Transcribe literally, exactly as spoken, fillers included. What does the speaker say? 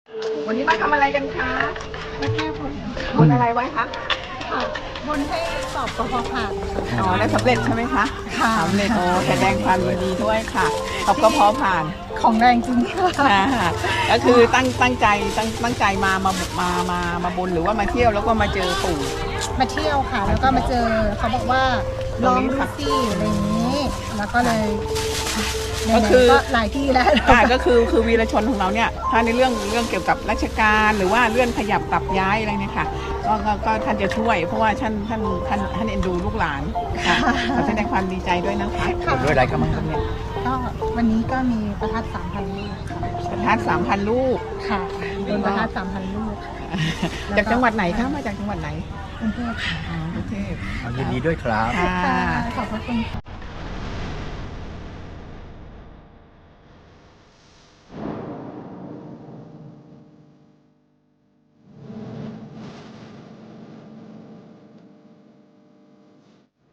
วันนี้มาทำอะไรกันคะมาแก้บนบนอะไรไว้คะบนให้สอบกพผ่านอ๋อได้สำเร็จใช่ไหมคะค่ะสำเร็จโอ้แสดงความยินดีด้วยค่ะสอบกพผ่านของแรงจริงค่ะค่ะก็คือตั้งตั้งใจตั้งตั้งใจมามามามามาบนหรือว่ามาเที่ยวแล้วก็มาเจอปู่มาเที่ยวค่ะ แล้วก็มาเจอเขาบอกว่าลองดูสิอะไรอย่างนี้ แล้วก็เลยก็คือก็หลายที่แล้วค่ะก็คือคือวีรชนของเราเนี่ยถ้าในเรื่องเรื่องเกี่ยวกับราชการหรือว่าเลื่อนขยับปรับย้ายอะไรเนี่ยค่ะก็ก็ก็ท่านจะช่วย เพราะว่าท่านท่านท่านท่านเอ็นดูลูกหลานค่ะขอแสดงความดีใจด้วยนะคะค่ะด้วยอะไรก็มั่งครับเนี่ยก็วันนี้ก็มีประทัดสามพันลูกค่ะประทัดสามพันลูกค่ะโดนประทัดสามพันลูกจากจังหวัดไหนคะมาจากจังหวัดไหนกรุงเทพค่ะอ๋อกรุงเทพยินดีด้วยครับค่ะขอบพระคุณค่ะ